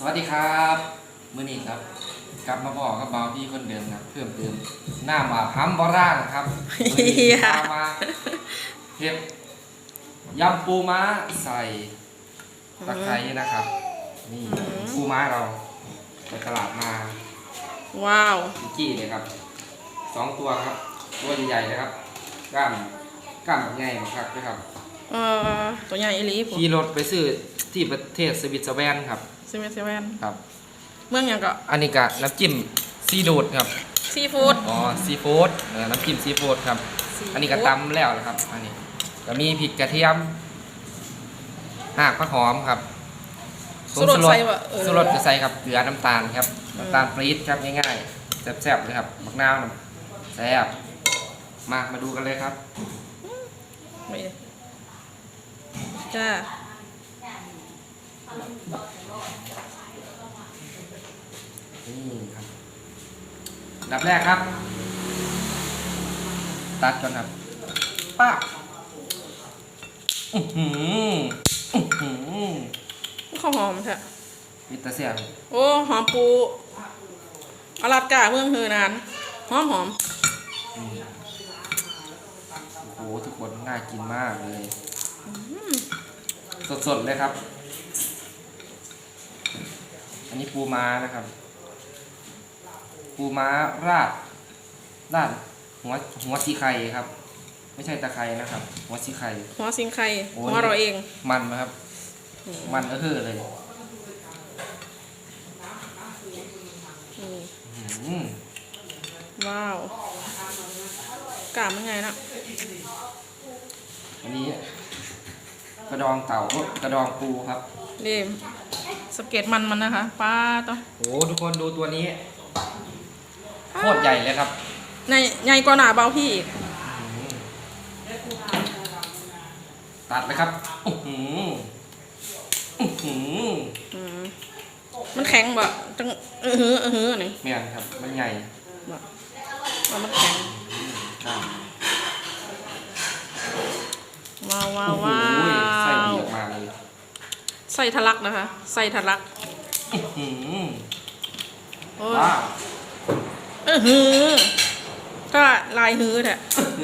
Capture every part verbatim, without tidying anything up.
วัสดีครับมื้อนี้ครับกลับมาบอกกับเบาพี่คนเดิมครับเพิ่มเติมหน้ามาพัมบอร่างครับมื้อนี้พามาเห็ดยำปูม้าใส่ตะไคร้นะครับนี่ปูม้าเราไปตลาดมาว้าวพิกี้เลยครับสองตัวครับตัวใหญ่ๆเลยครับกล้ามกล้ามใหญ่มากครับด้วยครับเออตัวใหญ่อีหลีผมขี่รถไปซื้อที่ประเทศสวิตเซอร์แลนด์ครับสวิตเซอร์แลนด์ครับเมืองยังก็อันนี้ก็น้ำจิ้มซีดูดครับซีฟู้ดอ๋อซีฟู้ดน้ำจิ้มซีฟู้ดครับอันนี้ก็ตำแล้วนะครับอันนี้ก็มีพริกกระเทียมหากผักหอมครับสุรสใส่ว่าสุรสจะใส่ครับเกลือน้ำตาลครับน้ำตาลปรี๊ดครับง่ายๆแซ่บๆเลยครับมะนาวแซ่บมามาดูกันเลยครับจ้านี่ครับดับแรกครับตัดก่อนครับป้าอือหืออือหือข้าวหอมแท้มิตรเสียงโอ้หอมปูอลาสก้าเมืองเฮอนานหอมหอมโอ้โหทุกคนน่ากินมากเลยสดๆเลยครับอันนี้ปูม้านะครับปูม้าราดราดหัวหัวซีไข่ครับไม่ใช่ตะไคร้นะครับหัวซีไข่หัวซิงไข่หัวเราเองมันนะครับมันก็คือเลยว้าวกล้ามยังไงนะอันนี้กระดองเต่ากระดองปูครับนี่สเก็ตมันมันนะคะป้าต่อโอ้ทุกคนดูตัวนี้โคตรใหญ่เลยครับใหญ่ใหญ่กว่าหนาเบาพี่อีกตัดเลยครับมันแข็งบ่จังเออเฮ้อเออเฮ้อนี่เมียนครับมันใหญ่บ่มันแข็งว้าวว้าวว้าวใส่เยอะมากเลยใส่ทะลักนะคะใส่ทะลักว้าวเออฮือก็ลายฮือแท้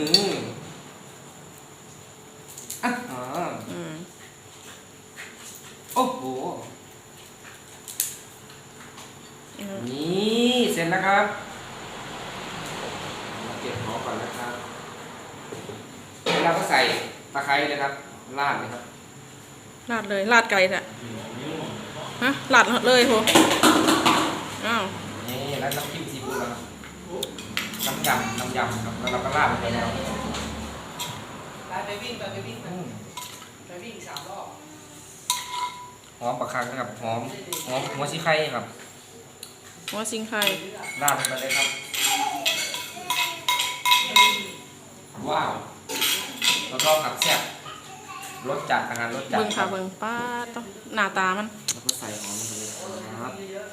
โอ้โหนี่เสร็จแล้วครับมาเก็บหอมก่อนนะครับแล้วเราก็ใส่ตะไคร้เลยครับราดเลยครับราดเลยราดไก่แท้ฮะราดเลยโหอ้าวนี่แล้วน้ำจิ้มซีฟู้ดแล้วน้ำยำน้ำยำครับแล้วเราก็ราดไปแล้วไปวิ่งไปไปวิ่งไปวิ่งสามรอบหอมปลาคังนะครับหอมหอมหัวซีไข่ครับหัวซิงไข่ราดไปเลยครับว้าวเราลองกับแซ่บรสจัดอาหารรสจัดเบิ่งค่ะเบิ่งป้าต้องหน้าตามันแล้วก็ใส่หอมลงไปเลยครับ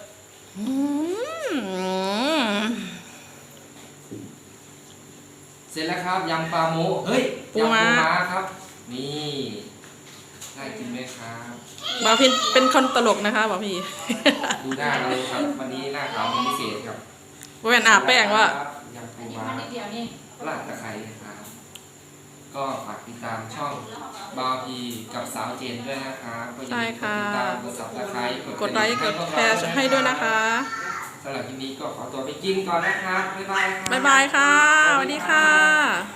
เสร็จแล้วครับยำปลาโมเฮ้ยยำปูม้าครับนี่น่ากินไหมครับบ่าวพี่เป็นคนตลกนะคะบ่าวพี่ดูหน้าเราครับวันนี้หน้าขาวเป็นพิเศษครับแว่นอาบแป้งว่ายำปูม้าราดตะไคร้ครับก็ฝากติดตามช่องบาวพีกับสาวเจนด้วยนะครับก็อย่าลืมกดติดตามกดซับสไครต์กดไลค์กดแชร์ให้ด้วยนะคะสำหรับคลิปนี้ก็ขอตัวไปกินก่อนนะครับบ๊ายบายบ๊ายบายค่ะสวัสดีค่ะ